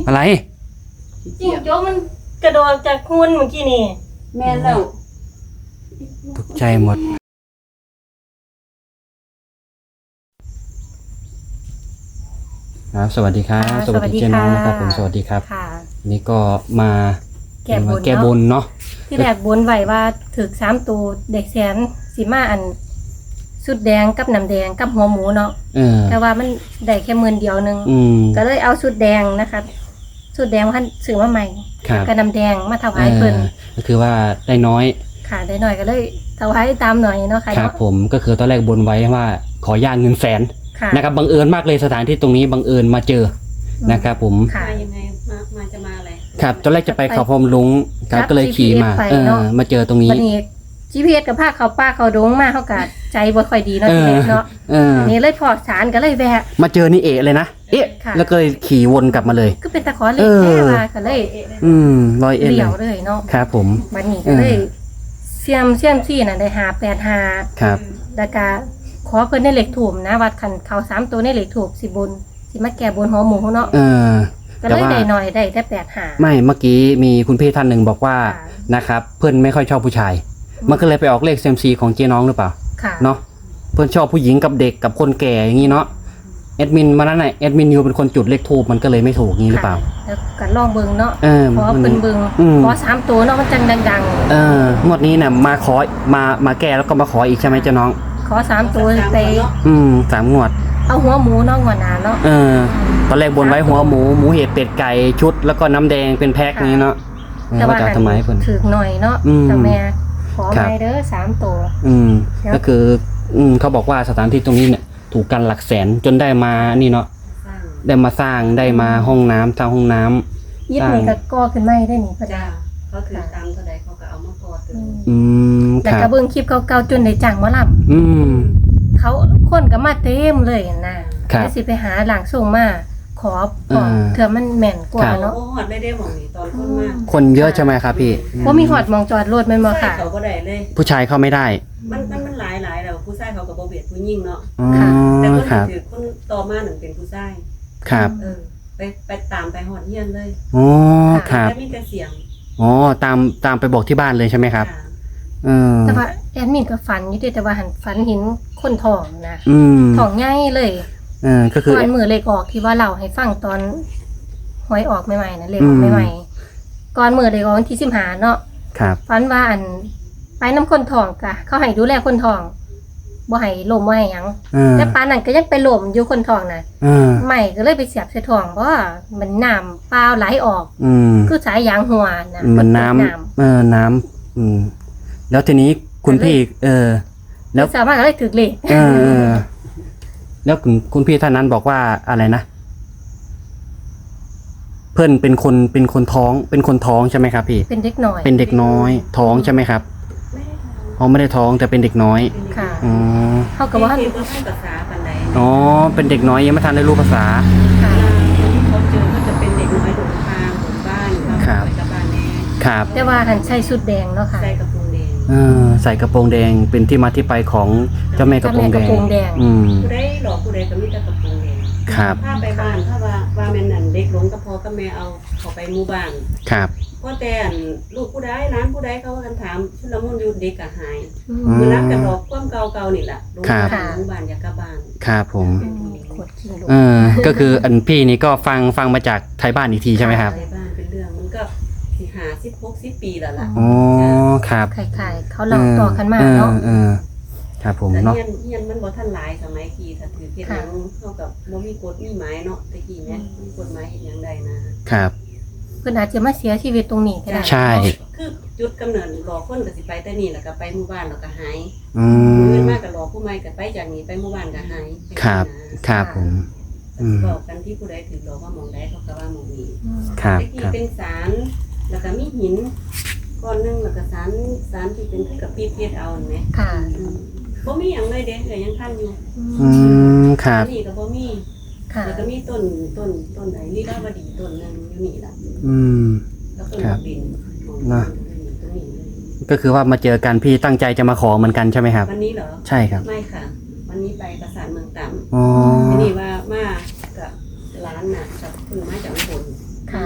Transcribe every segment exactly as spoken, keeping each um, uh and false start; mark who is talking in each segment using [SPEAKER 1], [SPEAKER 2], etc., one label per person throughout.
[SPEAKER 1] อะไร
[SPEAKER 2] จิ้งจกมันกระโดดจากคุณเมื่อกี้นี่
[SPEAKER 3] แม่แล้ว
[SPEAKER 1] ตกใจหมดครับสวัสดีครับสวัสดีเจ๊น้องนะครับผมสวัสดีครับนี่ก็มา
[SPEAKER 2] แก้บน
[SPEAKER 1] แก้บนเนาะ
[SPEAKER 2] ที่แรกบนไว้ว่าถึกสามตัวเด็กแสนสีมาอันสุดแดงกับน้ำแดงกับหัวหมูเนาะแต่ว่ามันได้แค่หมื่นเดียวนึงก็เลยเอาสุดแดงนะคะสุดแดงท่านซื้อมาใหม่กับน้ำแดงมาถวายเพิ่น
[SPEAKER 1] ก็คือว่าได้น้อย
[SPEAKER 2] ค่ะได้น้อยก็เลยถวายตามหน่อยเนาะค่ะ
[SPEAKER 1] ครับผมก็คือตอนแรกบนไว้ว่าขอย่างเงินแสนนะครับบังเอิญมากเลยสถานที่ตรงนี้บังเอิญมาเจอนะครับผม
[SPEAKER 3] มายังไงมามาจะมาอะไร
[SPEAKER 1] ครับตอนแรกจะไปเขาพรมลุงก็เลยขี่มาเออมาเจอตรงนี้
[SPEAKER 2] จี พี เอส กับภาคเขาป้าเขาดงมาเขากัดใจบ่ค่อยดีเนาะทีเนาะนี่เลยพอสารก็เลยแวะ
[SPEAKER 1] มาเจอนี่เอะเลยนะเอ๊ะแล้วก็เลยขี่วนกลับมาเลย
[SPEAKER 2] ก็เป็นตะขอเหล็กแค่มาก็เลย
[SPEAKER 1] อืมลอยเอะ
[SPEAKER 2] เดี่ยวเลยเนาะ
[SPEAKER 1] ครับผม
[SPEAKER 2] บัดนี้ก็เลยเสียมเสียมซี่น่ะได้หาแปดหา
[SPEAKER 1] ครับ
[SPEAKER 2] แล้วก็ขอเพิ่นในเหล็กถูมนะวัดขันเขาสามตัวในเหล็กถูกสิบนสิมาแก่บนหัวหมูเนาะ
[SPEAKER 1] เออ
[SPEAKER 2] ก็เลยได้หน่อยได้แค่แปดหา
[SPEAKER 1] ไม่เมื่อกี้มีคุณพี่ท่านหนึ่งบอกว่านะครับเพื่อนไม่ค่อยชอบผู้ชายมันก็เลยไปออกเลข ซี เอ็ม ซี ของเจ๊น้องหรือเปล่าเนาะเพื่อนชอบผู้หญิงกับเด็กกับคนแก่อย่างนี้เนาะแอดมินมานั่นน่ะแอดมินยูเป็นคนจุดเลขทูบมันก็เลยไม่ถูกงี้หรือเปล่า
[SPEAKER 2] แล้วกันลองเบิ่งเนาะขอเพิ่นเบิ่งขอสามตัวเนาะมันจังดัง
[SPEAKER 1] ๆเอองวดนี้น่ะมาขอมามาแก้แล้วก็มาขออีกใช่ไหมเจ๊น้อง
[SPEAKER 2] ขอสามตัวไป
[SPEAKER 1] อืมสามงวด
[SPEAKER 2] เอาหัวหมูเนาะหัวหนาเนาะ
[SPEAKER 1] เออตอนแรกบนไว้หัวหมูหมูเห็ดเป็ดไก่ชุดแล้วก็น้ำแดงเป็นแพ็คนี้เนาะ
[SPEAKER 2] แต่ว่าทำไมเพิ่นถือหน่อยเนาะเจ้าแม่ขอไปเด้อสามตัว
[SPEAKER 1] อืมก็คืออืมเขาบอกว่าสถานที่ตรงนี้เนี่ยถูกกันหลักแสนจนได้มานี่เนาะได้มาสร้างได้มาห้องน้ำสร้างห้องน้ำ
[SPEAKER 2] ยึดนี่ก็ก่อขึ้นไม่ได้นี่พระ
[SPEAKER 3] เจ้าเขาถือตามเท่าใดเขาก็เอามาก่อตึง
[SPEAKER 1] อืม
[SPEAKER 2] แต่กระเบื้องคลิปเก่าๆจนได้จ้างหมอลำ
[SPEAKER 1] อืม
[SPEAKER 2] เขาคนก็มาเต็มเลยนะได้สิไปหาหลังส่งมาขอก่อนเถื่อมันแม่นกว่าเนาะ
[SPEAKER 3] โอ้หอดได้ได้หมองนี่ตอนคนมา
[SPEAKER 1] คนเยอะใช่ไหมครับพี่
[SPEAKER 2] เพราะมีหอดมองจอดรถมันมาค่ะ
[SPEAKER 3] เขาก็ได้เลย
[SPEAKER 1] ผู้ชายเข้าไม่ได้
[SPEAKER 3] มันมันมันหลายหลายแล้วผู้ชายเขากับโบเบียดผู้หญิงเนาะ
[SPEAKER 1] ค่ะ
[SPEAKER 3] แต่คนถือคนต่อมาหนึ่งเป็นผู้ชาย
[SPEAKER 1] ครับ
[SPEAKER 3] เออไปไปตามไปหอดเฮียนเลย
[SPEAKER 1] อ๋อครับ
[SPEAKER 3] แล้วมีแต่เสียง
[SPEAKER 1] อ๋อตามตามไปบอกที่บ้านเลยใช่ไหมครับเออ
[SPEAKER 2] แต่ว่าแอดมินก็ฝันอยู่แต่ว่าหันฝันเห็นคนท้องนะท้องง่ายเลย
[SPEAKER 1] เออก็คือ
[SPEAKER 2] ตอนมือเลขออกที่ว่าเราให้ฟังตอนหวยออกใหม่ๆนะเลขออกใหม่ๆก่อนมือเลขออกวันที่สิบห้าเนาะ
[SPEAKER 1] ครับ
[SPEAKER 2] ฝันว่าอันไปน้ำคนท้องกะเขาให้ดูแลคนท้องบ่ให้ลมบ่ให้หยังแต่ปานนั้นก็ยังไปลมอยู่คนท้องน่ะใหม่ก็เลยไปเสียบใส่ท้องเพราะว่ามันน้ำเปล่าไหลออกคือสายยางหัวนะ
[SPEAKER 1] มันน้ำเออน้ำอืมแล้วทีนี้คุณพี่เออ
[SPEAKER 2] แล้วสามารถก็เลยถึกเลข
[SPEAKER 1] เออแล้วคุณคุณพี่ท่านนั้นบอกว่าอะไรนะเพื่อนเป็นคนเป็นคนท้องเป็นคนท้องใช่ไหมครับพี่
[SPEAKER 2] เป็นเด็กน้อย
[SPEAKER 1] เป็นเด็กน้อยท้องใช่ไหมครับอ๋อไม่ได้ท้องแต่เป็นเด็กน้อย
[SPEAKER 2] ค่ะ
[SPEAKER 1] อ๋อ
[SPEAKER 2] เขากับว่า
[SPEAKER 1] อ๋อเป็นเด็กน้อยยังไม่ทันได้รู้ภาษา
[SPEAKER 3] ค่ะเขาเจอก็จะเป็นเด็กน้อยหลงทางหลงบ้าน
[SPEAKER 1] ครับครับ
[SPEAKER 2] แต่ว่าหันใส่ชุดแดงเนาะค่ะ
[SPEAKER 3] ใส่กระโปรงแดง
[SPEAKER 1] เออใส่กระโปรงแดงเป็นที่มาที่ไปของเจ้าแม่กระโปรงแดงอืม
[SPEAKER 3] ผู้ใดหลอกผู้ใดก็มีแต่กระโปรงแดง
[SPEAKER 1] ครับ
[SPEAKER 3] ถ้าไปบ้านถ้าว่าว่าแม่นั่นเด็กหลงก็พอก็แม่เอาเขาไปหมู่บ้าน
[SPEAKER 1] ครับ
[SPEAKER 3] พ่อแต่ลูกผู้ใดร้านผู้ใดเขากันถามชุลมุนอยู่เด็กก็หายมือนักกันหลอกความเก่าๆนี่แหละหลงหมู่บ้านอยากกลับบ้าน
[SPEAKER 1] ครับผมเออก็คืออันพี่นี่ก็ฟังฟังมาจากไทยบ้านอีกทีใช่ไหมครับ
[SPEAKER 3] ไทยบ้านเป็นเรื่องมันก็สี่ห้าสิบหกสิบปีแล้วล่ะ
[SPEAKER 1] อ๋อครับ
[SPEAKER 2] คล้ายๆเขาเล่าต่อกันมาเนาะ
[SPEAKER 1] เออครับผมเนาะ
[SPEAKER 3] เฮียนเฮียนมันบ่ทันหลายสมัยกี่ถ้าถือเพียงนั้นเท่ากับบ่มีกฎมีหมายเนาะตะกี้แม่มีกฎหมายเฮ็ดหยังได้นะครับ
[SPEAKER 2] เพิ่นอาจจะมาเสียชีวิตตรงนี้ก็ได้
[SPEAKER 1] ใช่
[SPEAKER 3] คือจุดกำเนิดหลอกคนก็สิไปแต่นี่แล้วก็ไปหมู่บ้านแล้วก็หาย
[SPEAKER 1] อืม
[SPEAKER 3] มื้อมาก็หลอกผู้ใหม่ก็ไปจากนี้ไปหมู่บ้านก็หาย
[SPEAKER 1] ครับครับผม
[SPEAKER 3] อืมบอกกันที่ผู้ใดถือหลอกว่าหม่องใดเขาก็ว่าหม่องนี้
[SPEAKER 1] ครับ
[SPEAKER 3] ตะกี้เป็นศาลแล้วก็มีหินก้อนนึงแล้วก็ศาลศาลที่เป็นคือกับปีเพชรเอาแม่
[SPEAKER 2] ค่ะ
[SPEAKER 3] บ่มีหยังเลยเด้ก็ยังทันอยู่
[SPEAKER 1] อืมครับ
[SPEAKER 3] นี่ก็บ่มีแล้วก็มีต้นต้นต้นไหนลีลาวดีต้นนึงอยู่นี่ล่ะ
[SPEAKER 1] อืม
[SPEAKER 3] แล้วต้นบิน
[SPEAKER 1] นะก็คือว่ามาเจอกันพี่ตั้งใจจะมาขอเหมือนกันใช่ไหมครับ
[SPEAKER 3] วันนี้เหรอ
[SPEAKER 1] ใช่ครับ
[SPEAKER 3] ไม่ค่ะวันนี้ไปปราสาทเมืองต่ำ
[SPEAKER 1] อ๋อ
[SPEAKER 3] ทีนี้ว่ามากับร้านน่ะกับคุณมาจากอุบลมา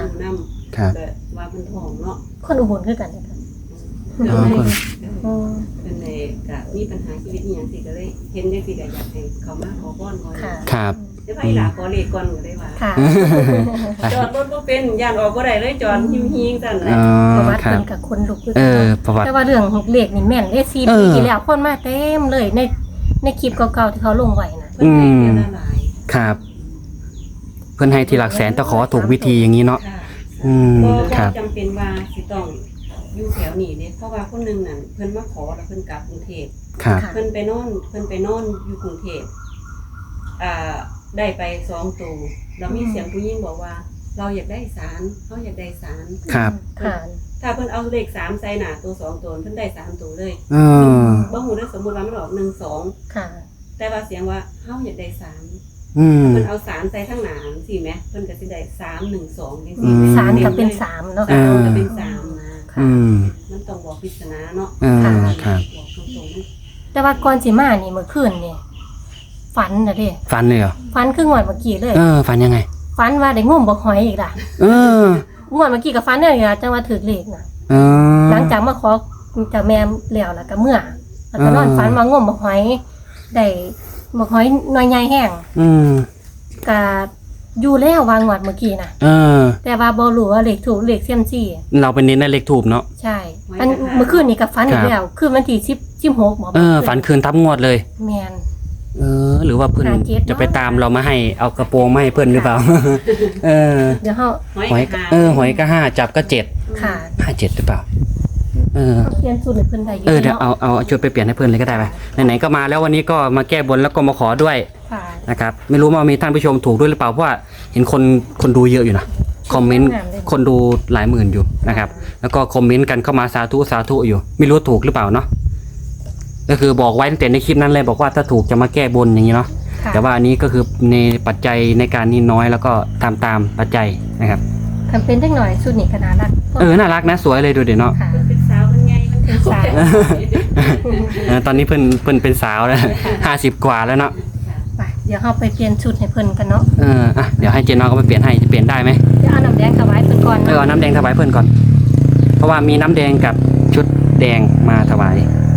[SPEAKER 1] ครับ
[SPEAKER 3] แต่ว่ามันทองเนาะ
[SPEAKER 2] คนอุบลคือกันนะคะ
[SPEAKER 1] อ๋อคน
[SPEAKER 2] อืม
[SPEAKER 3] เป็นในกะมีปัญหาชีวิตอหย่างสิก็เลยเห็นได้สิก็อยากให้เขามาขอพรก่อน
[SPEAKER 2] ค่ะ
[SPEAKER 1] ครับ
[SPEAKER 3] ได้ไปหลาขอเลขก่อนก็ได้ว่า
[SPEAKER 2] ค่ะ
[SPEAKER 3] จอดรถบ่เป็นย่านออกบ่ได้เลยจอดหิมหิงซั่น
[SPEAKER 1] อ๋
[SPEAKER 3] น่ะ
[SPEAKER 1] อ
[SPEAKER 2] ประวัติ
[SPEAKER 1] ครั
[SPEAKER 2] เพิ่
[SPEAKER 1] บ
[SPEAKER 2] นกับคนลุกคือ
[SPEAKER 1] เอ
[SPEAKER 2] กัน
[SPEAKER 1] อ
[SPEAKER 2] เนาะ
[SPEAKER 1] ประวัติ
[SPEAKER 2] แต่ว่าเรื่องเลขนี่แม่นได้สี่
[SPEAKER 1] เอ
[SPEAKER 2] ปี
[SPEAKER 1] อ
[SPEAKER 2] ที่แล้วคนมาเต็มเลยในในคลิปเก่าๆที่เขาลงไว้น่ะ
[SPEAKER 3] เพิ่นให้เดือนละหลาย
[SPEAKER 1] ครับ เพื่อนให้ทีหลักแสนแต่ขอถูกวิธีอย่างนี้เนาะ
[SPEAKER 3] ค่ะ
[SPEAKER 1] อืม
[SPEAKER 3] ก็
[SPEAKER 1] ครับ
[SPEAKER 3] จำเป็นว่าสิต้องอยู่แถวนี้เด้เพราะว่าคนหนึงนั่นเพิ่นมาขอแล้วเพิ่นกลับกรุงเทพ
[SPEAKER 1] ครับ
[SPEAKER 2] ค่ะ
[SPEAKER 3] เพิ่นไปนอนเพิ่นไปนอนอยู่กรุงเทพอ่าได้ไปสองตัวแล้วมีเสียงผู้หญิงบอกว่า เราอยากได้สารเขาอยากได้สาร
[SPEAKER 1] ครับ
[SPEAKER 2] ค่ะ
[SPEAKER 3] ถ้าเพิ่นเอาเลขสามใส่หน้าตัวสองตัวเพิ่นได้สามตัวเลย
[SPEAKER 1] เออ
[SPEAKER 3] บ่ฮู้ได้สมมุติว่ามันออกหนึ่งสอง
[SPEAKER 2] ค่ะ
[SPEAKER 3] แต่ว่าเสียงว่าเฮาอยากได้สาร
[SPEAKER 1] อืม
[SPEAKER 3] เพิ่นเอาสารใส่ทั้งหน้าสิแหมเพิ่นก็สิได้สามหนึ่งสองจัง
[SPEAKER 1] อื
[SPEAKER 3] ซี่
[SPEAKER 1] ม
[SPEAKER 2] สามก็เป็นสามเนาะ
[SPEAKER 3] สามก็เป็นสามนะ
[SPEAKER 2] ค่ะ
[SPEAKER 1] อืม
[SPEAKER 3] มันต้องบอกปริศนาเนาะ
[SPEAKER 1] เออครับ
[SPEAKER 3] บอกตรงๆ
[SPEAKER 2] แต่ว่าก่อนสิมานี่เมื่อคืนนี่ฝันน่ะเด้
[SPEAKER 1] ฟันเลยเหรอ
[SPEAKER 2] ฝันคืองวดเมื่อกี้เลย
[SPEAKER 1] เออ ฟันยังไง
[SPEAKER 2] ฝันว่าได้งมบ่หอยอีกล่ะ
[SPEAKER 1] เออ
[SPEAKER 2] งวดเมื่อกี้ก็ฝันเนี่ยล่ะจังว่าถูกเลขน่ะ
[SPEAKER 1] เออ
[SPEAKER 2] หลังจากมาขอจากแม่แล้วแล้วก็เมื่อแล้วก็นอน
[SPEAKER 1] อ่า
[SPEAKER 2] ฝันว่างมบ่หอยได้บ่หอยหน่อยใหญ่แห้ง
[SPEAKER 1] อืม
[SPEAKER 2] ก็อยู่แล้ววางงวดเมื่อกี้น่ะ
[SPEAKER 1] เออ
[SPEAKER 2] แต่ว่าบ่รู้ว่าเลขถูกเลขเซียมซี่
[SPEAKER 1] เราเป็นเน้นในเลขถูกเนาะ
[SPEAKER 2] ใช่อันเมื่อคืนนี่ก็ฝันอีกแล้วคือวันที่สิบ สิบหกหมอ
[SPEAKER 1] เออ ฝันคืนทับงวดเลย
[SPEAKER 2] แม่น
[SPEAKER 1] เออ หรือว่าเพื่อน
[SPEAKER 2] หาเจ็ดเนอะ
[SPEAKER 1] จะไปตามเรามาให้ เอากระโปรงมาให้เพื่อนหรือเปล่า เออ
[SPEAKER 2] เดี๋ยวเฮา
[SPEAKER 1] หอยก็เออ หอยก็ห้าจับก็เจ็ด
[SPEAKER 2] ค่ะ
[SPEAKER 1] ห้าเจ็ดหรือเปล่า เออ
[SPEAKER 2] เปลี่ยนสูตรให้เพิ่นได้อยู่
[SPEAKER 1] เออ เดี๋ยว
[SPEAKER 2] เนาะ
[SPEAKER 1] เอาเอาชุดไปเปลี่ยนให้เพื่อนเลยก็ได้ไปไหนๆก็มาแล้ววันนี้ก็มาแก้บนแล้วก็มาขอด้วย
[SPEAKER 2] ค่ะ
[SPEAKER 1] นะครับ ไม่รู้ว่ามีท่านผู้ชมถูกด้วยหรือเปล่า เพราะว่าเห็นคนคนดูเยอะอยู่นะ คอมเมนต์คนดูหลายหมื่นอยู่นะครับ แล้วก็คอมเมนต์กันเข้ามาสาธุสาธุอยู่ ไม่รู้ถูกหรือเปล่าเนาะ ก็คือบอกไว้ตั้งแต่ในคลิปนั้นเลยบอกว่าถ้าถูกจะมาแก้บนอย่างนี้เนาะ
[SPEAKER 2] ค่ะ
[SPEAKER 1] แต่ว่าอันนี้ก็คือในปัจจัยในการนี้น้อยแล้วก็ตามตามปัจจัยนะครับ
[SPEAKER 2] คันเป็นจังหน่อยสูตรนี่ก็น่ารัก
[SPEAKER 1] เออ น่ารักนะ สวยเลยดูเดี๋ยวเนาะ
[SPEAKER 2] ค่ะ
[SPEAKER 3] มันเป็นสาวมันไงมันเป็น
[SPEAKER 2] สาว
[SPEAKER 1] เออตอนนี้เพิ่นเพิ่นเป็นสาวแล้วห้าสิบกว่าแล้วเนาะ
[SPEAKER 2] ไปเดี๋ยวเฮาไปเปลี่ยนชุดให้เพิ่นกันเนาะ
[SPEAKER 1] เออ อ่ะ เดี๋ยวให้เจน้องก็ไปเปลี่ยนให้ จะเปลี่ยนได้ไหม
[SPEAKER 2] เดี๋ยวเอาน้ำแดงถวายเพิ่นก่อน
[SPEAKER 1] เออ
[SPEAKER 2] เนาะ
[SPEAKER 1] เอาน้ำแดงถวายเพื่อนก่อน เพราะว่ามีน้ำแดงกับชุดแดงมาถวาย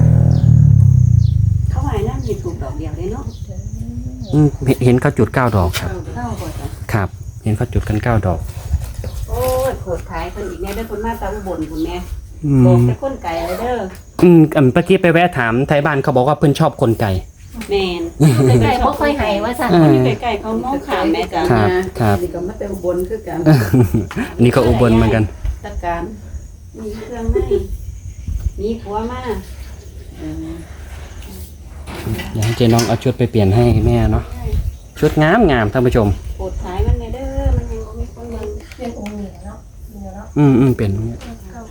[SPEAKER 3] เขาหายนั่นมีถูกดอกเดียวเลยเนาะ
[SPEAKER 1] อืมเห็นเห็นเขาจุดเก้าดอกครับ
[SPEAKER 3] เท่าบ่จ้ะ
[SPEAKER 1] ครับ เห็นเขาจุดกันเก้าดอก
[SPEAKER 3] โอ้ยโคตรขายเพิ่นอีกแน่เด้อคนมาตาอุบลพุ่นแม่
[SPEAKER 1] อื
[SPEAKER 3] บอก
[SPEAKER 1] ม
[SPEAKER 3] แต่คนไก่เลยเด้อ
[SPEAKER 1] อืมอันเมื่อกี้ไปแวะถามไทยบ้านเขาบอกว่าเพื่อนชอบคนไก่
[SPEAKER 3] แม่น
[SPEAKER 2] ไก่บ่ค่อยให้ว่าซั่น
[SPEAKER 1] เออ
[SPEAKER 3] อยู่ใกล้ๆเขามองขามแม่จ้ะ
[SPEAKER 1] ครับครับ
[SPEAKER 4] นี่ก็มาแต่อุบลคือกัน
[SPEAKER 1] อันนี้ก็อุบลเหมือนกัน
[SPEAKER 4] ตะการ
[SPEAKER 3] มีเครื่องในมีผัวมา
[SPEAKER 4] เออ
[SPEAKER 1] อยากให้เจน้องเอาชุดไปเปลี่ยนให้แม่เนาะ ชุดงามงามท่านผู้ชม
[SPEAKER 3] โคตรขายมันแน่เด้อมันยังบ่มีคนเบิ่ง
[SPEAKER 2] เป็นองค์นี้เนาะนี่เนาะ
[SPEAKER 1] อืมอืมเปลี่ยนตรงนี้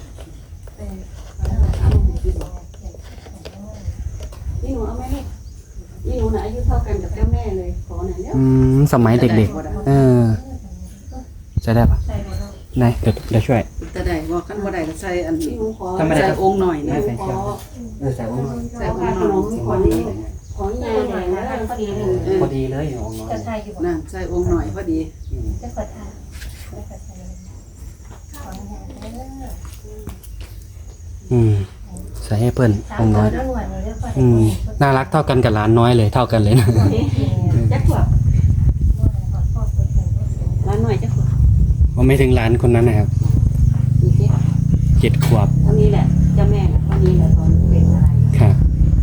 [SPEAKER 3] นี่หนูเอาไหมลูกนี่หนูน่ะอายุเท่ากันกับเจ้าแม่เลยขอหน่อยเด้อ
[SPEAKER 1] อืมสมัยเด็กๆ เออใช้ได้ปะ
[SPEAKER 2] ใส่บ่เนาะ
[SPEAKER 1] ไหนเดี๋ยวเดี๋ยวช่วย
[SPEAKER 4] แต่ได้บ่คันบ่ได้ก็ใส่อัน
[SPEAKER 3] นี่
[SPEAKER 4] นี้
[SPEAKER 3] หนูขอ
[SPEAKER 1] ทำไมได้
[SPEAKER 4] ใส่องค์หน่อย
[SPEAKER 3] นี่
[SPEAKER 4] นะ
[SPEAKER 3] หนูขอ
[SPEAKER 1] เออใส่องค์
[SPEAKER 3] ใส่ขนมขอนี้ขอยายหน่อยนะพอดีเลย
[SPEAKER 1] พอดีเลยองค์น้อย
[SPEAKER 2] จะใส่อยู่บ่
[SPEAKER 4] นั่นใส่องค์หน่อยพอดี
[SPEAKER 2] จะกดทานจะกดใส่ขออนุญาตเด้อ
[SPEAKER 1] อืมใส่ให้เพื่อน
[SPEAKER 2] สาม
[SPEAKER 1] องค์
[SPEAKER 2] ตั
[SPEAKER 1] น้
[SPEAKER 2] ว
[SPEAKER 1] อย
[SPEAKER 2] แล้วหน่วยนี่เด้อ
[SPEAKER 1] อืมน่ารักเท่ากันกับหลานน้อยเลยเท่ากันเลยนะ
[SPEAKER 3] จักขวบร้านหน่อยจักขวบ
[SPEAKER 1] ว่าไม่ถึงหลานคนนั้นนะครับ
[SPEAKER 3] มีสิ
[SPEAKER 1] เจ็ดขวบ
[SPEAKER 3] เท่านี้แหละเจ้าแม่น่ะเท่านี้แหละตอนเป็นอะไร
[SPEAKER 1] ครับ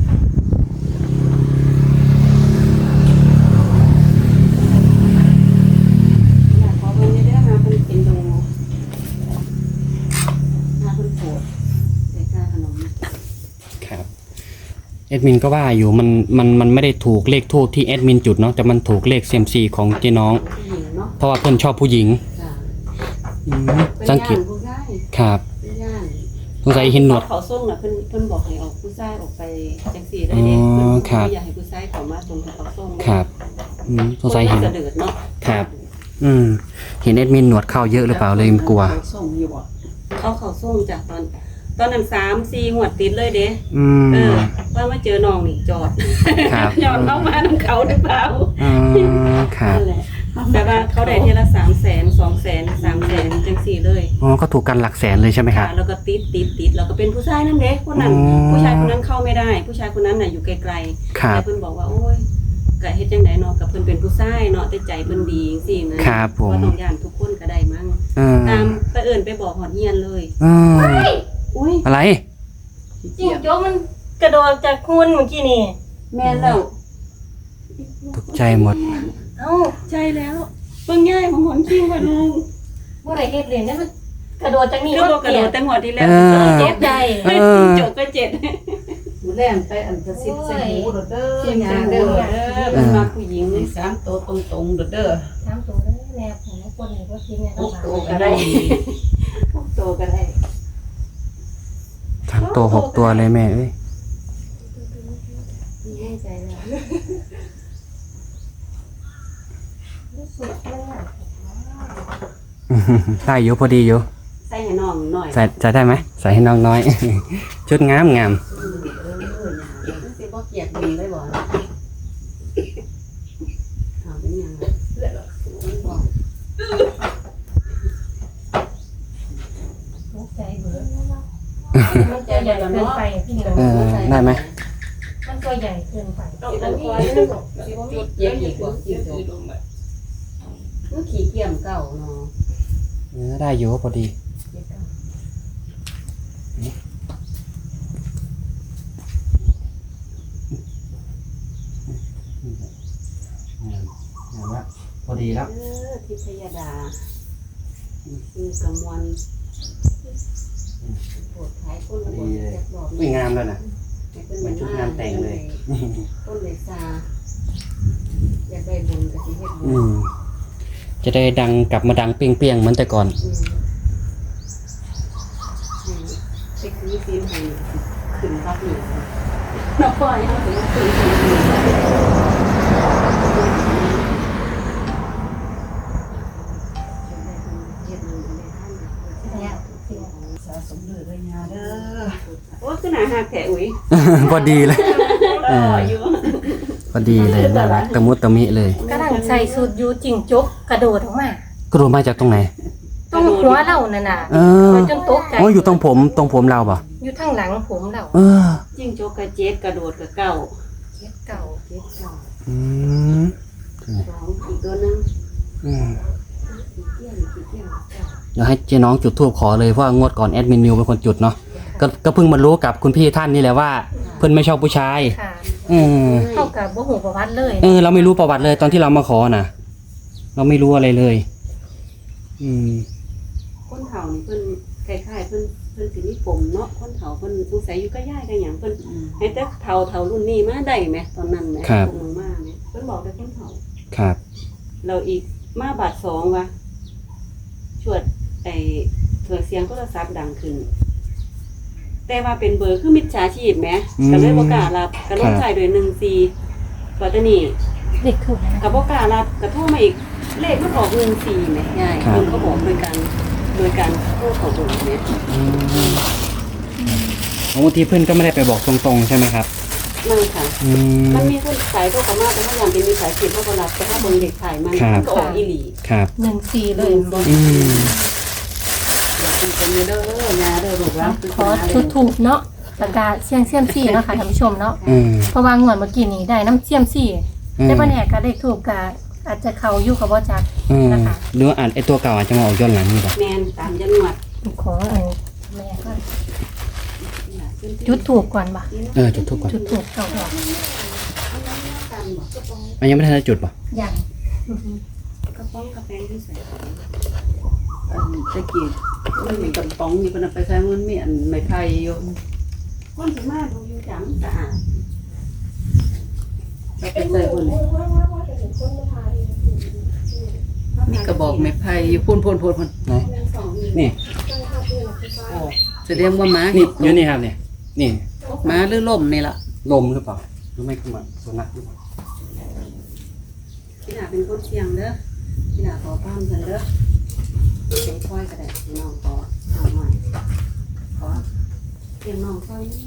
[SPEAKER 3] อยากขอเพิ่นได้มาเพิ่นเป็นดูมาเพิ่นโผล่ใส่ค่าขนม
[SPEAKER 1] ครับแอดมินก็ว่าอยู่มันมันมันไม่ได้ถูกเลขทูบที่แอดมินจุดเนาะแต่มันถูกเลขเซยมซีของเจ๊น้อง
[SPEAKER 3] ผู้หญิงเนาะ
[SPEAKER 1] เพราะว่าเพื่อนชอบผู้หญิง
[SPEAKER 3] จ้ะ
[SPEAKER 1] อืม
[SPEAKER 3] เป็น
[SPEAKER 1] สังเก
[SPEAKER 3] ย่า
[SPEAKER 1] ต
[SPEAKER 3] นผู้ชาย
[SPEAKER 1] ครับ
[SPEAKER 3] เป็นย่าน
[SPEAKER 1] สงสัยเห็นหนวด
[SPEAKER 3] เขาส่งน่ะเพิ่นเพิ่นบอกให้ออกผู้ชายออกไปจังซี่ได้เด้
[SPEAKER 1] อ๋อ
[SPEAKER 3] เพิ่น
[SPEAKER 1] ครับ
[SPEAKER 3] อยากให้ผู้ชายเข้ามาตรงที่เขาส่ง
[SPEAKER 1] ครับอืมสงสัยเห็น
[SPEAKER 3] คจะเดือดเนาะ
[SPEAKER 1] ครับ อืมเห็นแอดมินหนวดเข้าเยอะหรือเปล่าเลยกลัว
[SPEAKER 4] ส่งอยู่บ่
[SPEAKER 3] เอาเขาส่งจากตอน ตอนนั้นสามสี่หัวดติดเลยเด้
[SPEAKER 1] อืม
[SPEAKER 3] เออว่ามาเจอน้องนี่จอด
[SPEAKER 1] ครับ
[SPEAKER 3] ย้อนเข้ามาน้ำเขาหรือเปล่า
[SPEAKER 1] อ๋อครับ
[SPEAKER 3] นั่นแหละแต่ว่าเขาได้เทละสามแสนสองแสนสามแสนจังสี่เลย
[SPEAKER 1] อ๋อก็ถูกกันหลักแสนเลยใช่ไหมครับ
[SPEAKER 3] แล้วก็ติดติดติดแล้วก็เป็นผู้ชายนั่นเด็กคนนั้น
[SPEAKER 1] อ๋อ
[SPEAKER 3] ผู้ชายคนนั้นเข้าไม่ได้ ผู้ชายคนนั้นน่ะอยู่ไกลๆ
[SPEAKER 1] ครับ
[SPEAKER 3] แต่เพิ่นบอกว่าโอ้ยกะเฮ็ดจังไดเนาะกับเพิ่นเป็นผู้ชายเนาะแต่ใจเพิ่นดีจังซี่นะครับ
[SPEAKER 1] ผม
[SPEAKER 3] ว่าต้องย่านทุกคนก็ได้มั้ง
[SPEAKER 1] เออ
[SPEAKER 3] ตามไปเอิ้นไปบอกหอดเฮียนเลย
[SPEAKER 1] เออ
[SPEAKER 3] อุ้ย
[SPEAKER 1] อะไร
[SPEAKER 2] จริงโจ้มันกระโดดจากคุณเมื่อกี้นี่
[SPEAKER 3] แม่นแล้ว
[SPEAKER 1] ตกใจหมด
[SPEAKER 2] เอ้า
[SPEAKER 3] ใช่แล้วเบิ่งง่ายของหอนคิงว่าลุง
[SPEAKER 2] บ่ได้เฮ็ดเลยนะมันกระโดดจากนี่
[SPEAKER 3] คือบ่กระโดดแต่หัวที่แล้ว
[SPEAKER 1] เออ
[SPEAKER 2] เจ็บใจ
[SPEAKER 1] เออ
[SPEAKER 3] จบก็เจ็ด
[SPEAKER 4] หมูแรงไปอันกระซิบใส่หูเด้อเด้อยาเด้อ
[SPEAKER 3] เออเป็นมาผู้หญิง
[SPEAKER 4] นี่สามตัวตรงๆเด้อเด้อ
[SPEAKER 2] สามตัวเด้อแนวของคนนี่บ่กินเนี่ย
[SPEAKER 3] พ
[SPEAKER 2] ต้
[SPEAKER 3] ว
[SPEAKER 2] อง
[SPEAKER 3] ก
[SPEAKER 2] หา
[SPEAKER 3] โตก็ได้พวกโตก็ได้
[SPEAKER 1] สามตัวหกตัวเลยแม่เอ้ย
[SPEAKER 3] แน่ใจแล้ว
[SPEAKER 2] รู้สึกมันหนัก
[SPEAKER 1] ได้อยู่พอดีอยู่
[SPEAKER 3] ใส่ให้น้องหน่อย
[SPEAKER 1] ใส่ใส่ได้ไหมใส่ให้น้องน้อย ชุดงามงาม
[SPEAKER 3] เออเออเนี่ยมันสิบ่เกลียดมึงได้บ่ถามเป็นหยังล่ะมันบอก
[SPEAKER 2] ตกใจเบิดมันตัวใหญ่เกินไปพี่น้อง
[SPEAKER 1] เออได้ไหม
[SPEAKER 2] มันตัวใหญ่เกินไป
[SPEAKER 3] ต้องอันนี้จุดเย็บอีกบ่จิ้งจกมันขี้เกียจเก่าเนาะ
[SPEAKER 1] เออได้อยู่พอดี
[SPEAKER 3] เก็บเก่า
[SPEAKER 1] พอดีแล้ว
[SPEAKER 3] เออทิพยดาคือกำมวลปวดท้ายคนละบนแจ็คบอก
[SPEAKER 1] ไม่งามแล้วนะ
[SPEAKER 3] เป็น
[SPEAKER 1] เหมือนชุดงานแต่งเลย
[SPEAKER 3] ต้นเลยซาอยากได้บุญกับที่เฮ็ดบุ
[SPEAKER 1] อื
[SPEAKER 3] ญ
[SPEAKER 1] มจะได้ดังกลับมาดังเปรี้ยงๆเหมือนแต่ก่อน
[SPEAKER 3] อืมไปคือซีนให้ขึ้นภาพหนึ่งน้องปล่อยเขาถึงขึ้นภาพหนึ่ง
[SPEAKER 4] สะสมเด้อเด้อยาเด้อ
[SPEAKER 3] โอ้คือหนาหักแถอุ้ย
[SPEAKER 1] พอดีเลย
[SPEAKER 3] รออยู่
[SPEAKER 1] พอดีเลยน่ารักตะมุตะมิเลย
[SPEAKER 2] กำลังใส่สูตรยูจิงจกกระโดดออกมาก
[SPEAKER 1] ระโดดมาจากตรงไหน
[SPEAKER 2] ตรงหัวเรานั่นน่ะ
[SPEAKER 1] เออ
[SPEAKER 2] จนตกใจ
[SPEAKER 1] โอ้อยู่ตรงผมตรงผมเราป่ะ
[SPEAKER 2] อยู่ทางหลังผมเรา
[SPEAKER 1] เออ
[SPEAKER 3] จิ้งจกกระเจ็ดกระโดดกระเก่า
[SPEAKER 2] เจ็บเก่า
[SPEAKER 3] เจ็ดเก่า
[SPEAKER 1] อืม
[SPEAKER 3] สองอีกตัวหนึง
[SPEAKER 1] อืม
[SPEAKER 3] สีเกี้ยนสีเกี้ยนเก่า
[SPEAKER 1] เดี๋ยวให้เจ๊น้องจุดธูปขอเลยเพราะว่างวดก่อนแอดมินนิวเป็นคนจุดเนาะก็ก็เพิ่งมารู้กับคุณพี่ท่านนี่แหละว่า เพิ่นไม่ชอบผู้ชาย
[SPEAKER 2] ค่ะ
[SPEAKER 1] เออ
[SPEAKER 2] เท่ากับบ่หูประวัติเลย
[SPEAKER 1] เออเราไม่รู้ประวัติเลยตอนที่เรามาขอน่ะ เราไม่รู้อะไรเลย อืม
[SPEAKER 3] คนเฒ่านี่เพิ่นคล้ายๆเพิ่นเพิ่นสิมีผมเนาะคนเฒ่าเพิ่นสงสัยอยู่ก็ย่ายกันหยังเพิ่นให้แต่เฒ่าเฒ่ารุ่นนี้มาได้ไหมตอนนั้นแหม
[SPEAKER 1] ครับ
[SPEAKER 3] พวกมึงมาแหมเพิ่นบอกแต่คนเฒ่า
[SPEAKER 1] ครับ
[SPEAKER 3] เราอีกมาบาทสองวะชวดไอ้เถื่อเสียงโทรศัพท์ดังขึ้น แต่ว่าเป็นเบอร์คือมิจฉาชีพแหมก็เลยบ่กล้ารับก็ลงท้ายด้วยหนึ่งสี่ปัตตานี
[SPEAKER 2] เด็กถูกนะ
[SPEAKER 3] ก็บ่กล้ารับก็โทรมาอีกเลขมันออกหนึ่งสี่แหมยายเพิ่นก็บอกโดยการโดยการโทรเข้าเบอร์แหม
[SPEAKER 1] อืมบางทีเพื่อนก็ไม่ได้ไปบอกตรงๆใช่ไหมครับ
[SPEAKER 3] นั่นค่ะ
[SPEAKER 1] อืม
[SPEAKER 3] มันมีคนสายโทรเข้ามาแต่ถ้าอย่างเป็นมีสายเสียบเขาก็รับแต่ถ้าเบิ่งเด็กถ่ายมัน
[SPEAKER 1] ครับ
[SPEAKER 3] มันก็ออกอีหลี
[SPEAKER 1] ครับ
[SPEAKER 2] หนึ่งสี่เลย
[SPEAKER 1] อืม
[SPEAKER 4] อยากเป็นคนเด้อยาเด้อลูกหลาน
[SPEAKER 2] ขอทุกถูกเนาะประกาศเสี่ยงเสี่ยมซี่เนาะค่ะท่านผู้ชมเนาะ
[SPEAKER 1] อืม
[SPEAKER 2] เพราะว่างวดเมื่อกี้นี้ได้น้ำเสี่ยมซี่
[SPEAKER 1] อืม
[SPEAKER 2] แต่บ่แน่ก็ได้ถูกก็อาจจะเข้าอยู่กับบ่จัก
[SPEAKER 1] อืม
[SPEAKER 2] นะคะ
[SPEAKER 1] หรือว่าอ่านไอตัวเก่าอาจจะมาออกย้อนหลังนี่ป่ะ
[SPEAKER 3] แมนตามจังหวัด
[SPEAKER 2] ขออันแม่ก็จุดถูกก่อนบ่
[SPEAKER 1] เออจุดทูบก่อน
[SPEAKER 2] จุดถูกเก่าดอก
[SPEAKER 1] มันยังไม่ทันได้จุดป่ะ
[SPEAKER 2] อย่าง
[SPEAKER 3] กระป๋องกาแฟที่ใส่
[SPEAKER 4] อันตะกี้มันมีกระป๋องอยู่เพิ่นเอาไปใส่มันมีอันไม้ไผ่อยู่
[SPEAKER 3] คนสามารถดูอยู่จังสะอาด
[SPEAKER 4] เอาไปใส่พุ่นมีกระบอกไม้ไผ่อยู่พุ่นพุ่นพุ่นพุ่น
[SPEAKER 1] ไหนนี่
[SPEAKER 4] แสดงว่าหมา
[SPEAKER 1] นี่อยู่นี่ครับเนี่ยนี่
[SPEAKER 4] หมาหรือล่มนี่ล่ะ
[SPEAKER 1] ลมหรือเปล่าหรือไม่ก็มันสุนัขหรือเปล่า
[SPEAKER 3] พี่ดาเป็นคนเชียงเด้อพี่ดาขอป้ามกันเด้อเป็นค่อยก็ได้พี่น้องขอเอาหน่อยขอเพียงน้องค่อยนี่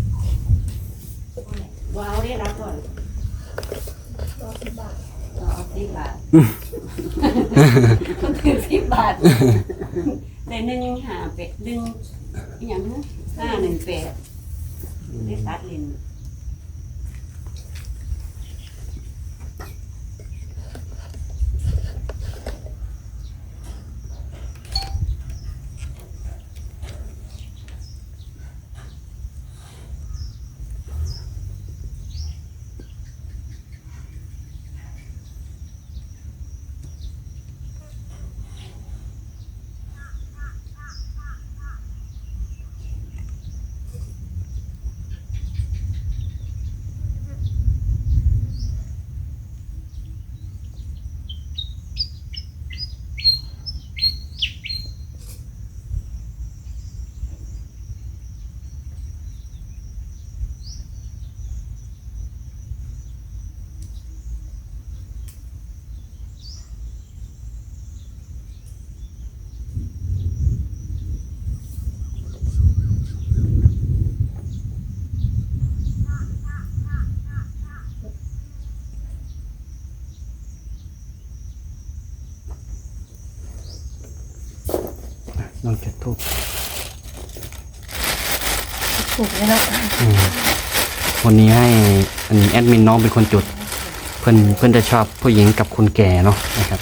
[SPEAKER 3] ว้าวได้รับก่อนต่อสิบบาทต่อสิบบาทมันคือสิบบาทในได้หนึ่งหาเป็ดหนึ่งอหย่างนะห้าหนึ่งแปดได้ตัดเลน
[SPEAKER 1] ลองจุดธูป
[SPEAKER 2] ถูกเลยเนาะ
[SPEAKER 1] อืมวันนี้ให้อันนี้แอดมินน้องเป็นคนจุด เพื่อนเพื่อนจะชอบผู้หญิงกับคนแก่เนาะนะครับ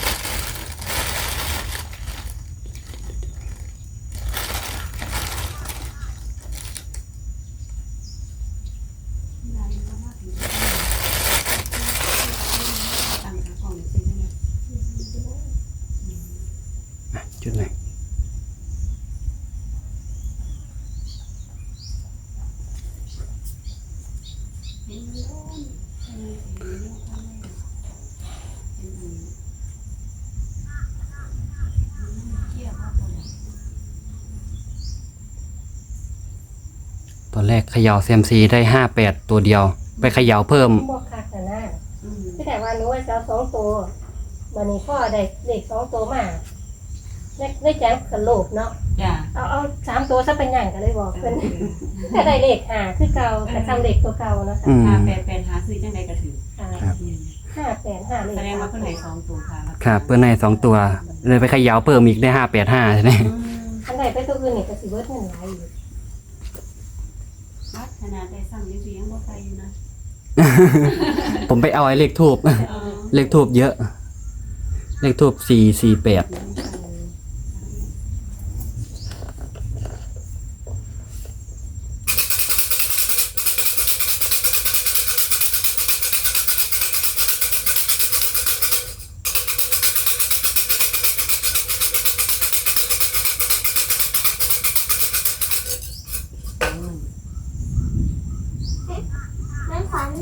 [SPEAKER 1] อ่ะจุดไหนตอนแรกเขย่าเซียมซีได้ห้าแปดตัวเดียว ไปเขย่าเพิ่ม
[SPEAKER 2] บอกค่ะแต่หน้าที่แต่ว่าหนูว่าจะเอาสองตัววันนี้พ่อได้เลขสองตัวมาได้ได้แจ้งกันโลภเนาะ
[SPEAKER 3] จ้า
[SPEAKER 2] เอาเอาสามตัวซะเป็นอย่างกันเลยบอกเป็นถ้าได้เลขหาคือเก่าแต่จำเลขตัวเก่าเนาะ
[SPEAKER 1] อืม
[SPEAKER 3] หาแปดแปดหาซื้อจังใดก็ถือ
[SPEAKER 2] ค่ะห้าแปดห้าเลข
[SPEAKER 3] แสดงว่าเพิ่นได้สองตัวค่ะ
[SPEAKER 1] ครับเพื่อนในสองตัว เลยไปเขย่าเพิ่มอีกได้ห้าแปดห้าใช่ไหม
[SPEAKER 2] อันไหนไปตัวอื่นนี่ก็สิเบิดเงินหลายอยู่
[SPEAKER 3] วัดขนาดได้สั่งได้เสียงบ่ไปอยู่นะ
[SPEAKER 1] ผมไปเอาไอ้เลขทูบ
[SPEAKER 3] เออ
[SPEAKER 1] เลขทูบเยอะ เลขทูบสี่สี่แปด
[SPEAKER 2] นั่นฝัน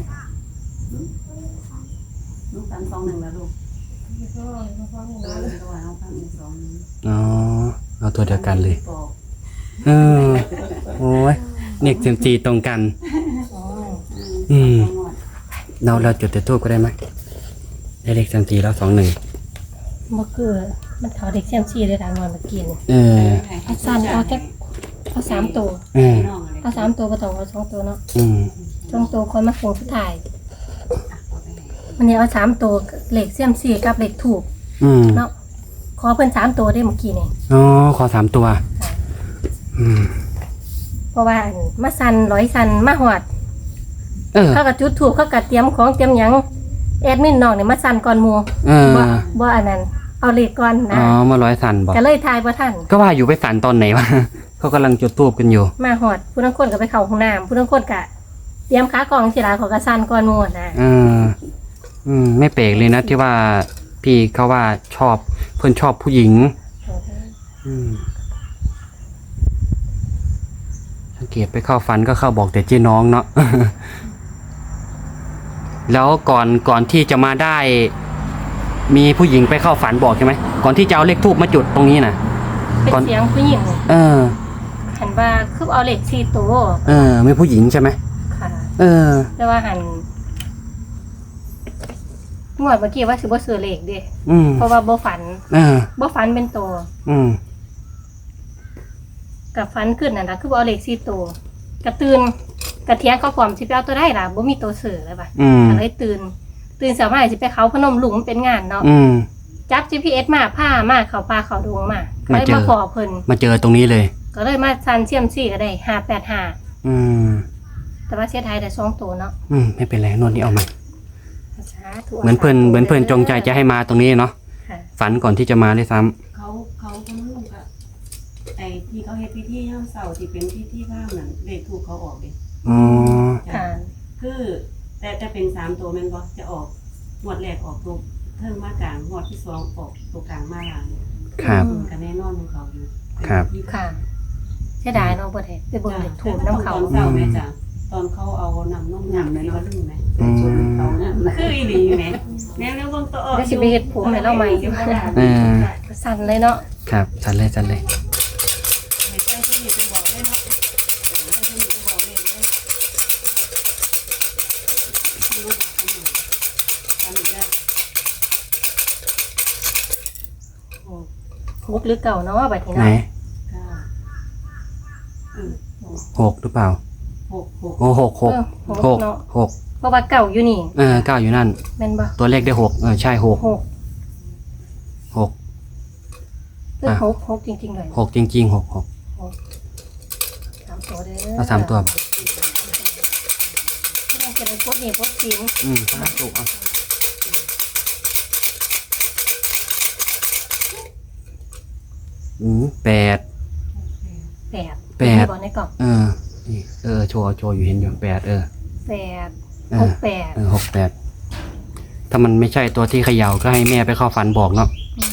[SPEAKER 3] ลูกตันสองหนึ่งแล้วลูกเออระหว่างเอาพันหนึ่งสองหนึ่ง
[SPEAKER 1] อ๋อ เอาตัวเดียวกันเลย
[SPEAKER 3] บอก
[SPEAKER 1] เออ โอ้ยเน็กเซมซีตรงกัน
[SPEAKER 2] อ๋อ
[SPEAKER 1] อืม เราเราจุดแต่ทูบก็ได้ไหมได้เลขเซมซีแล้วสองหนึ่ง
[SPEAKER 2] บ่คือมันเขาเด็กเซียมซีได้ทางนอนเมื่อกี้นี่
[SPEAKER 1] เออ
[SPEAKER 2] เอาสั้นเอาแค่เอาสามตัว
[SPEAKER 1] เออ
[SPEAKER 2] เอาสามตัวบ่ต้องเอาสองตัวเนาะ
[SPEAKER 1] อืม
[SPEAKER 2] สองตัวคนมาโคงสุดท้ายวันนี้เอาสามตัวเลขเซียมซีกับเลขถูก
[SPEAKER 1] อืม
[SPEAKER 2] เนาะขอเพิ่นสามตัวได้เมื่อกี้นี่
[SPEAKER 1] อ๋อ ขอสามตัว อืม
[SPEAKER 2] เพราะว่าอันมาสั่นร้อยสั่นมาหอด
[SPEAKER 1] เออ
[SPEAKER 2] เขาก็จุดถูกเขาก็เตรียมของเตรียมหยังแอดมินน้องนี่มาสั่นก่อนหมู่
[SPEAKER 1] เออ
[SPEAKER 2] บ่บ่อันนั้นเอาเลขก่อน
[SPEAKER 1] อ๋
[SPEAKER 2] นะ
[SPEAKER 1] อ มาร้อยสันบอก
[SPEAKER 2] ก็เลยทายบ่ทัน
[SPEAKER 1] ก็ว่าอยู่ไปสันตอนไหนวะ เขากำลังจุดทูบกันอยู่
[SPEAKER 2] มาหอดผู้ทั้งคนก็ไปเข้าห้องน้ำผู้ทั้งคนก็เตรียมขากล่องสิล่ะเขาก็สั่นก่อนหมู่นะ
[SPEAKER 1] เออ อืม ไม่แปลกเลยนะที่ว่าพี่เขาว่าชอบเพื่อนชอบผู้หญิง อืมสังเกตไปเข้าฝันก็เข้าบอกแต่เจ๊น้องเนาะ แล้วก่อนก่อนที่จะมาได้ มีผู้หญิงไปเข้าฝันบอกใช่ไหมก่อนที่จะเอาเลขทูบมาจุดตรงนี้นะ
[SPEAKER 2] เป็น
[SPEAKER 1] ก่อน
[SPEAKER 2] เสียงผู้หญิง
[SPEAKER 1] เออ
[SPEAKER 2] หันว่าคือเอาเลขสี่ตัว
[SPEAKER 1] เออมีผู้หญิงใช่ไหม
[SPEAKER 2] ค่ะ
[SPEAKER 1] เออ
[SPEAKER 2] แต่ว่าหันงวดเมื่อกี้ว่าสิบ่ซื้อเลขเด้
[SPEAKER 1] อืม
[SPEAKER 2] เพราะว่าบ่ฝัน
[SPEAKER 1] เออ
[SPEAKER 2] บ่ฝันเป็นตัว
[SPEAKER 1] อืม
[SPEAKER 2] กับฝันขึ้นนั่นล่ะคือบ่เอาเลขสี่ตัวกระตื่นกระเทียงเขาพร้อมสิไปเอาตัวได้ล่ะบ่มีตัวซื้อเลยป่ะ
[SPEAKER 1] อืม
[SPEAKER 2] ก็เลยตื่น ตื่นสายๆสิไปเขาพนมลุงมันเป็นงานเนาะ
[SPEAKER 1] อืม
[SPEAKER 2] จับ จี พี เอส มาพามาเขาป่าเขาดงมาก็เลยมาขอเพิ่น
[SPEAKER 1] มาเจอตรงนี้เลย
[SPEAKER 2] ก็เลยมาซันเซียมซี่ก็ได้ห้าแปดห้า
[SPEAKER 1] อืม
[SPEAKER 2] แต่ว่าเสียดายได้สองตัวเนาะ
[SPEAKER 1] อืมไม่เป็นไรนวดนี้เอาใหม่
[SPEAKER 2] สาธุ
[SPEAKER 1] เหมือนเพื่อนเหมือนเพื่อนจงใจจะให้มาตรงนี้เนาะ
[SPEAKER 2] ค่ะ
[SPEAKER 1] ฝันก่อนที่จะมาด้วยซ้ำ
[SPEAKER 3] เขาเขาคนนู้นก็ไอ้ที่เขาเฮ็ดพิธีย่ามเสาที่เป็นพิธีข้างนั่นเลขถูกเขาออกเด้
[SPEAKER 1] อ๋อ
[SPEAKER 2] ค่ะ
[SPEAKER 3] คือแต่แต่เป็นสามตัวแม่นบ่จะออกงวดแรกออกตัวเทิงมากลางงวดที่สองออกตัวกลางมาหลัง
[SPEAKER 1] ครับ
[SPEAKER 3] ก็แน่นอนของเขาอยู่
[SPEAKER 1] ครับ
[SPEAKER 2] ค่ะเสียดายเนาะบ่ได้ไปเบิ่งเลขถูกน้ำเขา
[SPEAKER 3] ตอนเช้าแม่จ้ะตอนเขาเอาน้ำนมน้ำในว่าลึงไหม
[SPEAKER 1] อืม
[SPEAKER 4] เขาเนี่ย
[SPEAKER 3] คืออีหลีอยู่ไหมแม่แล้วเบิ่งตัวออก
[SPEAKER 2] เดี๋ยวสิไปเฮ็ดผมให้เราใหม่
[SPEAKER 1] เออ
[SPEAKER 2] สั่นเลยเนาะ
[SPEAKER 1] ครับสันเลยสันเลย
[SPEAKER 3] ให้ใจที่นี่ไปบอกได้เนาะใจที่นี่ไปบอกเลยเลยอันนี้ได้
[SPEAKER 2] มุกหรือเก่าเนาะบัดนี้
[SPEAKER 1] ไหน
[SPEAKER 2] เนาะ
[SPEAKER 3] เก้าเออ
[SPEAKER 1] หกหรือเปล่า
[SPEAKER 3] หกหก
[SPEAKER 1] โอ้หกหก
[SPEAKER 2] เออ
[SPEAKER 1] ห
[SPEAKER 2] ห
[SPEAKER 1] ก
[SPEAKER 2] กเนาะ
[SPEAKER 1] หก
[SPEAKER 2] เพราะว่าเก่าอยู่นี่
[SPEAKER 1] เออเก้าอยู่นั่น
[SPEAKER 2] แม่นบ่
[SPEAKER 1] ตัวเลขได้หกเออใช่หก
[SPEAKER 2] หก
[SPEAKER 1] หก
[SPEAKER 2] คือหกหกจริงๆเลย
[SPEAKER 1] หกจริงๆหกหก
[SPEAKER 2] สามตัวเด้อ
[SPEAKER 1] เอาสามตัว
[SPEAKER 2] เราจะได้พดนี่พดสิง
[SPEAKER 1] อืมสามตัวเอาอืมแปด
[SPEAKER 2] แปด
[SPEAKER 1] แปด
[SPEAKER 2] มีบ่ในกล่อง
[SPEAKER 1] เออนี่เออโชว์โชว์อยู่เห็นอยู่แปดเออ
[SPEAKER 2] แปด
[SPEAKER 1] เอ
[SPEAKER 2] ห
[SPEAKER 1] อก
[SPEAKER 2] แปด
[SPEAKER 1] เออหกแปดถ้ามันไม่ใช่ตัวที่เขย่าก็ให้แม่ไปเข้าฝันบอกเนาะ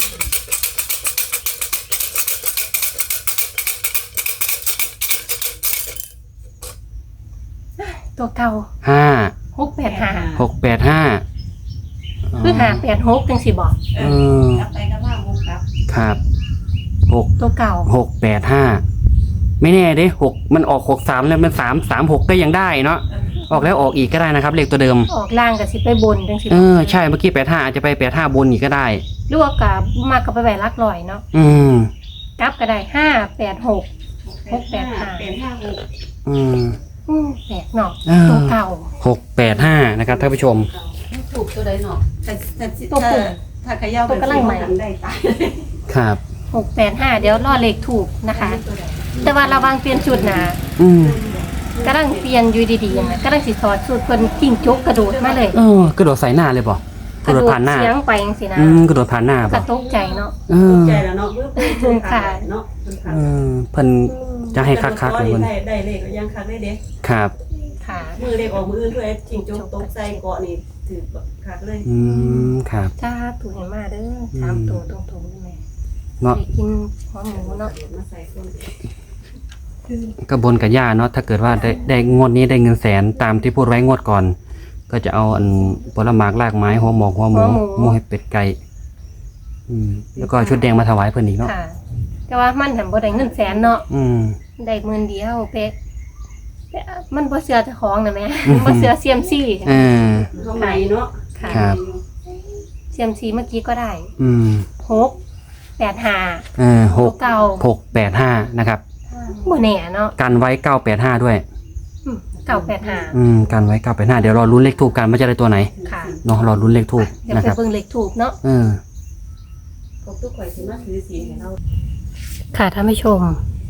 [SPEAKER 2] ตัวเก่า
[SPEAKER 1] ห้า
[SPEAKER 2] หกแปดห้า
[SPEAKER 1] หกแปดห้า
[SPEAKER 2] คือห้าแปดหกจังสิบอก
[SPEAKER 3] เออกลับไปกลับมาหกกลับ
[SPEAKER 1] ครับหก
[SPEAKER 2] ตัวเก่า
[SPEAKER 1] หกแปดห้าไม่แน่เด้หกมันออกหกสามแล้วมันสามสามหกก็ยังได้เนาะออกแล้วออกอีกก็ได้นะครับ เลขตัวเดิม
[SPEAKER 2] ออกล่างกับสิไปบนจังสิบ
[SPEAKER 1] เออใช่เมื่อกี้แปดห้าอาจจะไปแปดห้าบนอีกก็ได้
[SPEAKER 2] หรือว่ากับมากกับไปแหวนลักลอยเนาะ
[SPEAKER 1] อืม
[SPEAKER 2] กลับก็ได้ห้าแปดหก หกแปดห้า
[SPEAKER 3] แปดห้าหก
[SPEAKER 1] อืม
[SPEAKER 2] อืมแปดเนาะ
[SPEAKER 1] อ่า
[SPEAKER 2] ตัวเก่า
[SPEAKER 1] หกแปดห้านะครับท่านผู้ชม
[SPEAKER 4] ถูกตัวใดเนาะแต่แต่
[SPEAKER 2] ตัวผู้
[SPEAKER 4] ถ้าขย่า
[SPEAKER 2] ตัวกำลังใหม่
[SPEAKER 3] ได้ตาย
[SPEAKER 1] ครับ
[SPEAKER 2] หกแปดห้าเดี๋ยวรอเลขถูกนะคะ แต่ว่าระวังเปลี่ยนชุดนะ
[SPEAKER 1] อืม
[SPEAKER 2] กำลังเปลี่ยนอยู่ดีๆนะกำลังสิถอดชุดคนจิ้งจกกระโดดมาเลย
[SPEAKER 1] เออกระโดดใส่หน้าเลยป่ะกระโดดผ่านหน้า
[SPEAKER 2] เสียงไปจังสินะ
[SPEAKER 1] อืมกระโดดผ่านหน้าก ป่ะ
[SPEAKER 2] ระตกใจเนาะ
[SPEAKER 1] เออ
[SPEAKER 3] ใจแล้วเนาะเพื่อเพื่อขาดเนาะ
[SPEAKER 1] เออเพิ่นจะให้คักๆเลยเพิ่น
[SPEAKER 3] ได้ได้เลขยังคักได้เด้
[SPEAKER 1] ครับ
[SPEAKER 2] ค่ะ
[SPEAKER 3] มือเลขออกมืออื่นด้วยจิงจกตกใจเกาะนี่ถือคักเลย
[SPEAKER 1] อืมครับ
[SPEAKER 2] ถ้าถูกเห็นมาเด้อสามตัวตรงๆได้ไหม
[SPEAKER 1] เนาะ
[SPEAKER 2] ไปกินหัวหมูเนาะ
[SPEAKER 3] มาใส่คน
[SPEAKER 1] ก็บนกับย่าเนาะถ้าเกิดว่าได้ได้งวดนี้ได้เงินแสนตามที่พูดไว้งวดก่อน ก็จะเอาอันผลหมากรากไม้หัวหมอกหัวหมูหมูให้เป็ดไก่อืมแล้วก็ชุดแดงมาถวายเพิ่นอีกเนาะ
[SPEAKER 2] ค่ะ แต่ว่ามันหันบ่ได้เงินแสนเนาะ
[SPEAKER 1] อืม
[SPEAKER 2] ได้หมื่นเดียวเป๊ะเป๊ะมันบ่เสือเจ้าของนะแม่ บ่เสือเซียมซี่
[SPEAKER 1] เออ
[SPEAKER 3] เข้าใหม่เนาะ
[SPEAKER 2] ค่ะ
[SPEAKER 1] ครับ
[SPEAKER 2] เซียมซีเมื่อกี้ก็ได้
[SPEAKER 1] อืม
[SPEAKER 2] หกแปดห้า
[SPEAKER 1] เออหก
[SPEAKER 2] เก่า
[SPEAKER 1] หกแปดห้านะครับ
[SPEAKER 2] บ่แน่เนาะ
[SPEAKER 1] กันไว้เก้าแปดห้าด้วย
[SPEAKER 2] อืมเก่าแปดห้า
[SPEAKER 1] อืมกันไว้เก้าแปดห้าเดี๋ยวรอลุ้นเลขทูบกันว่าจะได้ตัวไหน
[SPEAKER 2] ค่ะ
[SPEAKER 1] เนาะรอลุ้นเลขทูบ
[SPEAKER 2] เดี๋ยว
[SPEAKER 1] นะ
[SPEAKER 2] ไป
[SPEAKER 1] ครับ
[SPEAKER 2] เบิ่งเลขถูกเนาะ
[SPEAKER 1] เออ
[SPEAKER 3] พวกทุกข่อยสิมาถือศีลให้เรา
[SPEAKER 2] ค่ะท่านผู้ชม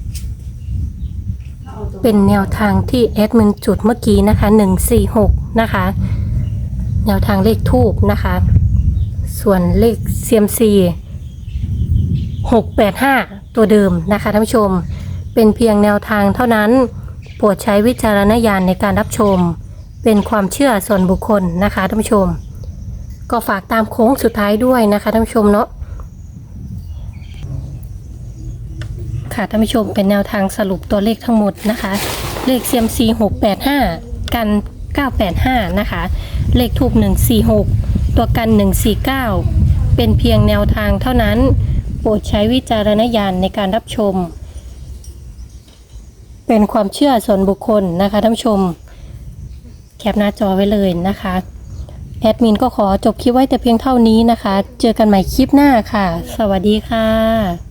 [SPEAKER 3] เอาตัว
[SPEAKER 2] เป็นแนวทางที่แอดมินจุดเมื่อกี้นะคะหนึ่งสี่หกนะคะ แนวทางเลขทูบนะคะ ส่วนเลขเซียมซีหกแปดห้าตัวเดิมนะคะท่านผู้ชม เป็นเพียงแนวทางเท่านั้น โปรดใช้วิจารณญาณในการรับชม เป็นความเชื่อส่วนบุคคลนะคะท่านผู้ชม ก็ฝากตามโค้งสุดท้ายด้วยนะคะท่านผู้ชมเนาะ ค่ะท่านผู้ชมเป็นแนวทางสรุปตัวเลขทั้งหมดนะคะ เลข ซี เอ็ม ซี หกแปดห้ากันเก้าแปดห้านะคะ เลขทูปหนึ่งสี่หกตัวกันหนึ่งสี่เก้าเป็นเพียงแนวทางเท่านั้น โปรดใช้วิจารณญาณในการรับชม เป็นความเชื่อส่วนบุคคลนะคะท่านผู้ชม แคปหน้าจอไว้เลยนะคะแอดมินก็ขอจบคลิปไว้แต่เพียงเท่านี้นะคะ เจอกันใหม่คลิปหน้าค่ะ สวัสดีค่ะ